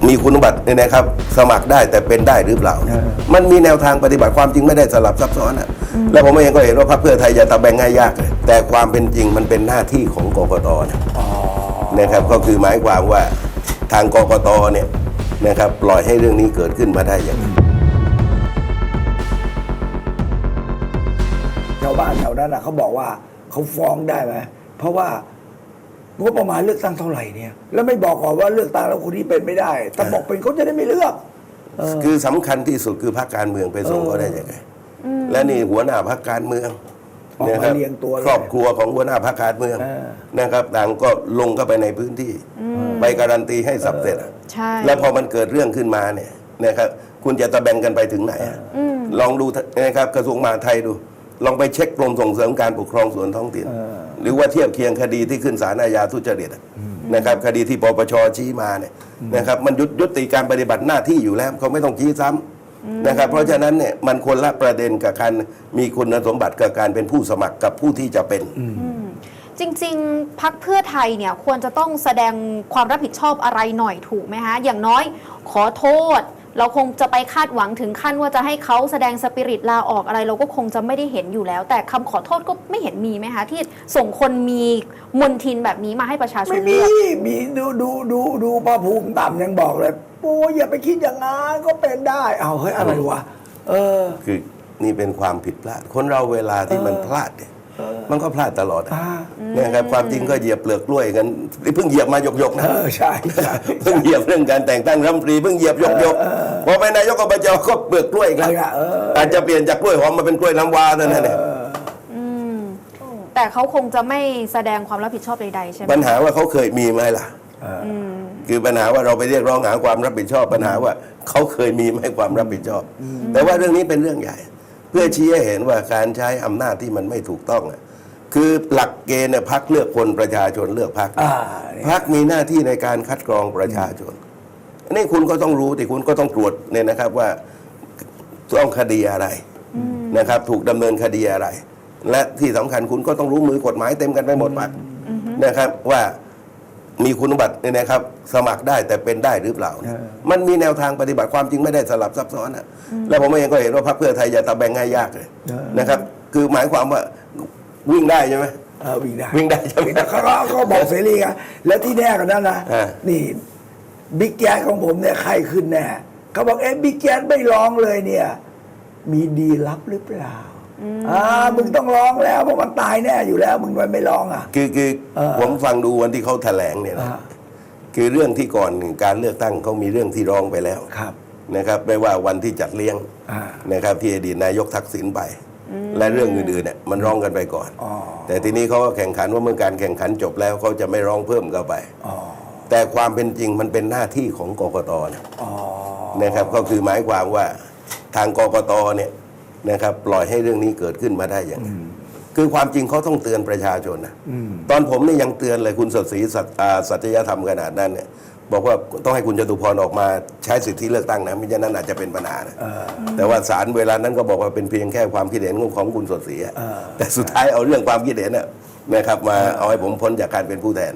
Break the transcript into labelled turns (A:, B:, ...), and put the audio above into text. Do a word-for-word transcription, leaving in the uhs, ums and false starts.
A: มีคุณสมบัติเนี่ยนะครับสมัครได้แต่เป็นได้หรือเปล่า มันมีแนวทางปฏิบัติความจริงไม่ได้สลับซับซ้อนอ่ะแล้วผมเองก็เห็นว่าพรรคเพื่อไทยจะตะแบงง่ายยากเลยแต่ความเป็นจริงมันเป็นหน้าที่ของกกตนะนะครับก็คือหมายความว่าทางกกตเนี่ยนะครับปล่อยให้เรื่องนี้เกิดขึ้นมาได้อย่างไร
B: ชาวบ้านแถวนั้นนะเขาบอกว่าเขาฟ้องได้ไหมเพราะว่างบประมาณเลือกตั้งเท่าไหร่เนี่ยแล้วไม่บอกก่อนว่าเลือกตั้งแล้วคนนี้เป็นไม่ได้ถ้าบอกเป็นเขาจะได้ไม่เลือกเออ
A: คือสำคัญที่สุดคือพรรคการเมืองไปส่งเขาได้ยังไงและนี่หัวหน้าพรรคการเมือง
B: ออก
A: นะค
B: มา
A: รับ
B: เรียงตัวเลย
A: ครอบครัวของหัวหน้าพรรคการเมือง
B: เออ
A: นะครับต่างก็ลงเข้าไปในพื้นที่ไปการันตีให้สับเสร็จอะ
C: ใช่
A: แล้วพอมันเกิดเรื่องขึ้นมาเนี่ยนะครับคุณจะตะแบงกันไปถึงไหนอะลองดูนะครับกระทรวงมหาดไทยดู ลองไปเช็คกรมส่งเสริมการปกครองส่วนท้องถิ่นหรือว่าเทียบเคียงคดีที่ขึ้นศาลอาญาทุจริตอะนะครับคดีที่ปปชชี้มาเนี่ยนะครับมันยุยุติการปฏิบัติหน้าที่อยู่แล้วเขาไม่ต้องชี้ซ้ำนะครับเพราะฉะนั้นเนี่ยมันคนละประเด็นกับการมีคุณสมบัติกับการเป็นผู้สมัครกับผู้ที่จะเป็น
C: จริงๆ พรรคเพื่อไทยเนี่ยควรจะต้องแสดงความรับผิดชอบอะไรหน่อยถูกไหมฮะ อย่างน้อยขอโทษ เราคงจะไปคาดหวังถึงขั้นว่าจะให้เขาแสดงสปิริตลาออกอะไร เราก็คงจะไม่ได้เห็นอยู่แล้ว แต่คำขอโทษก็ไม่เห็นมีไหมคะที่ส่งคนมีมนทินแบบนี้มาให้ประชาชน
B: ไม่
C: เลื
B: มี
C: อก
B: มีดูดูดูดูพระภูมิต่ำยังบอกเลยโอ้ยอย่าไปคิดอย่างนั้นก็เป็นได้เอาเฮ้ยอะไรวะเออ
A: คือนี่เป็นความผิดพลาด คนเราเวลาที่มันพลาดเนี่ยมันก็พลาดตลอดอะ
B: อ่า
A: เนี่ยครับความจริงก็เหยียบเปลือกกล้วยกันนี่เพิ่งเหยียบมาหยกๆ
B: เอ
A: นะ
B: อใช่ใช่
A: เพิ่งเหยียบเรื่องการแต่งตั้งรัฐมนตรีเพิ่งเหยียบหยกๆพอไปนายกอบจก็เปลือกกล้วยอีกแล้ว
B: เออ
A: อาจจะเปลี่ยนจากกล้วยหอมมาเป็นกล้วยน้ำว้าเท่านั้นเอง
C: แต่เขาคงจะไม่แสดงความรับผิดชอบใดๆใช่ไหม
A: ปัญหาว่าเขาเคยมีไหมล่ะคือปัญหาว่าเราไปเรียกร้องหาความรับผิดชอบปัญหาว่าเขาเคยมีไหมความรับผิดชอบ แต่ว่าเรื่องนี้เป็นเรื่องใหญ่ เพื่อชี้ให้เห็นว่าการใช้อำนาจที่มันไม่ถูกต้องอะคือหลักเกณฑ์เนี่ยพรรคเลือกคนประชาชนเลือกพรรค
B: อ่า
A: พรรคมีหน้าที่ในการคัดกรองประชาชนอันนี้คุณก็ต้องรู้แต่คุณก็ต้องตรวจเนี่ยนะครับว่าต้องคดีอะไรนะครับ ถูกดำเนินคดีอะไร และที่สำคัญคุณก็ต้องรู้มือกฎหมายเต็มกันไปหมดปากนะครับว่ามีคุณสมบัติเนี่ยนะครับ สมัครได้แต่เป็นได้หรือเปล่า มันมีแนวทางปฏิบัติความจริงไม่ได้สลับซับซ้อนอ่ะแล้วผมเองก็เห็นว่าพรรคเพื่อไทยจะตะแบงง่ายยากเลยนะครับ คือหมายความว่าวิ่งได้ใช่ไหม
B: เออวิ่งได้
A: วิ่งได้ใช่ไหม
B: แต่เขาก็เขาบอกเสรีไงแล้วที่แน่กันนั้นนะ
A: อ่า
B: นี่บิ๊กแจ๊สของผมเนี่ยใครขึ้นแน่เขาบอกเอ๊ะบิ๊กแจ๊สไม่ร้องเลยเนี่ย มีดีลับหรือเปล่าอ่ามึงต้องร้องแล้วเพราะมันตายแน่อยู่แล้ว มึงทำไมไม่ร้องอ่ะ
A: คือคือ
B: เออ
A: ผมฟังดูวันที่เขาแถลงเนี่ยนะ
B: อ่า
A: คือเรื่องที่ก่อนการเลือกตั้งเขามีเรื่องที่ร้องไปแล้ว
B: ครับ
A: นะครับไม่ว่าวันที่จัดเลี้ยง
B: อ่า
A: นะครับที่อดีตนายกทักษิณไป และเรื่องอื่นๆเนี่ยมันร้องกันไปก่อน
B: อ๋อ
A: แต่ทีนี้เขาก็แข่งขันว่าเมื่อการแข่งขันจบแล้วเขาจะไม่ร้องเพิ่มเข้าไป
B: อ๋อ
A: แต่ความเป็นจริงมันเป็นหน้าที่ของกกตนะ
B: อ๋อ
A: นะครับก็คือหมายความว่าทางกกตเนี่ยนะครับปล่อยให้เรื่องนี้เกิดขึ้นมาได้อย่างไรคือความจริงเขาต้องเตือนประชาชนนะตอนผมเนี่ยยังเตือนเลยคุณสดศรีสัตอ่าสัตยธรรมขนาดนั้นเนี่ยบอกว่าต้องให้คุณจตุพรออกมาใช้สิทธิเลือกตั้งนะไม่ฉะนั้นอาจจะเป็นปัญหานะแต่ว่าศาลเวลานั้นก็บอกว่าเป็นเพียงแค่ความคิดเห็นของคุณสดศรีอะแต่สุดท้ายเอาเรื่องความคิดเห็นน่ะนะครับมาเอาให้ผมพ้นจากการเป็นผู้แทน